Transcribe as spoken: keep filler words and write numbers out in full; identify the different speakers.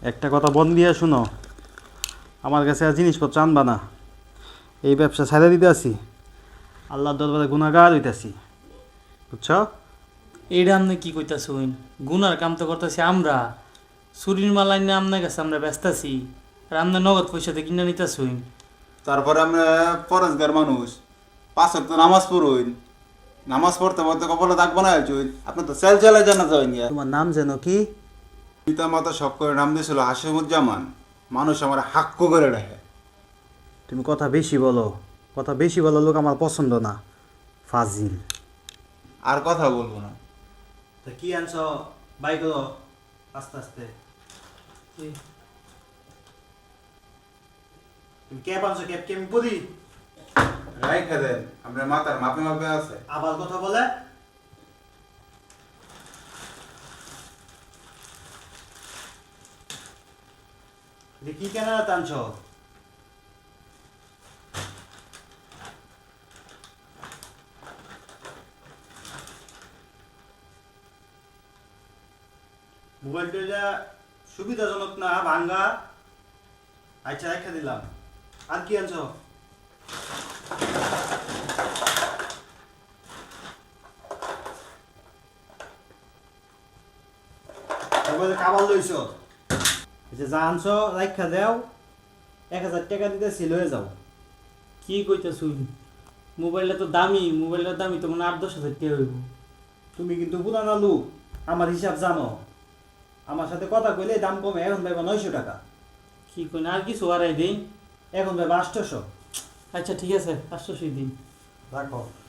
Speaker 1: একটা কথা বন দিয়ে শুনো, আমার কাছে আর জিনিসপত্র আনবা না। এই ব্যবসা ছাড়া দিতে আসি, আল্লাহর দরবারে গুনাহগার হইতাছি, বুঝছো?
Speaker 2: এইটা আপনি কি কইতাছুন? গুনার কাম তো করতেছি আমরা। চুরির মালাই না আপনার কাছে আমরা ব্যস্ত আছি, আর আপনার নগদ পয়সাতে কিনে নিতেছুন।
Speaker 3: তারপরে আমরা ফরেজগার মানুষ, পাঁচ ওয়াক্ত নামাজ পড়ুন, নামাজ পড়তে পড়তে কপালে দাগ বানায় চুন। আপনি তো সেল চালায় জানা যাবেন গিয়া।
Speaker 1: তোমার নাম যেন কি?
Speaker 3: পিতা মাতা সব করে নাম দিয়েছিল হাসিমুজ্জামান। মানুষ আমার হাক্কু করে রাখে।
Speaker 1: তুমি কথা বেশি বলো, কথা বেশি বলো, লোক আমার পছন্দ না, ফাজিল।
Speaker 3: আর কথা বলবো না।
Speaker 1: তা কি আনছ? বাই করো আস্তে আস্তে। তুমি ক্যাব আনছো, ক্যাব কি আমি পড়ি?
Speaker 3: রাইখা দেন, আপনার মাতার মাপে মাপে আছে।
Speaker 1: আবার কথা বলে। কি কেন টানছ? মোবাইলটা সুবিধাজনক না, ভাঙ্গা। আচ্ছা রেখে দিলাম। আর কি আনছ? খাবার লইছ, যা আনছ রাখা দেও, এক হাজার টাকা দিতেছি, লয়ে যাও।
Speaker 2: কি কইতাছুন? মোবাইলটা তো দামি, মোবাইলটার দামি তো মানে আট দশ হাজার টাকা হইব।
Speaker 1: তুমি কিন্তু পুরানা লোক, আমার হিসাব জানো। আমার সাথে কথা কইলে দাম কমে, এখন ভাইবা নয়শো টাকা,
Speaker 2: কি কইন আর কিছু হারাই দিন?
Speaker 1: এখন ভাইবা আটশোশো।
Speaker 2: আচ্ছা ঠিক আছে, আটশোশো দিন।
Speaker 1: রাখো।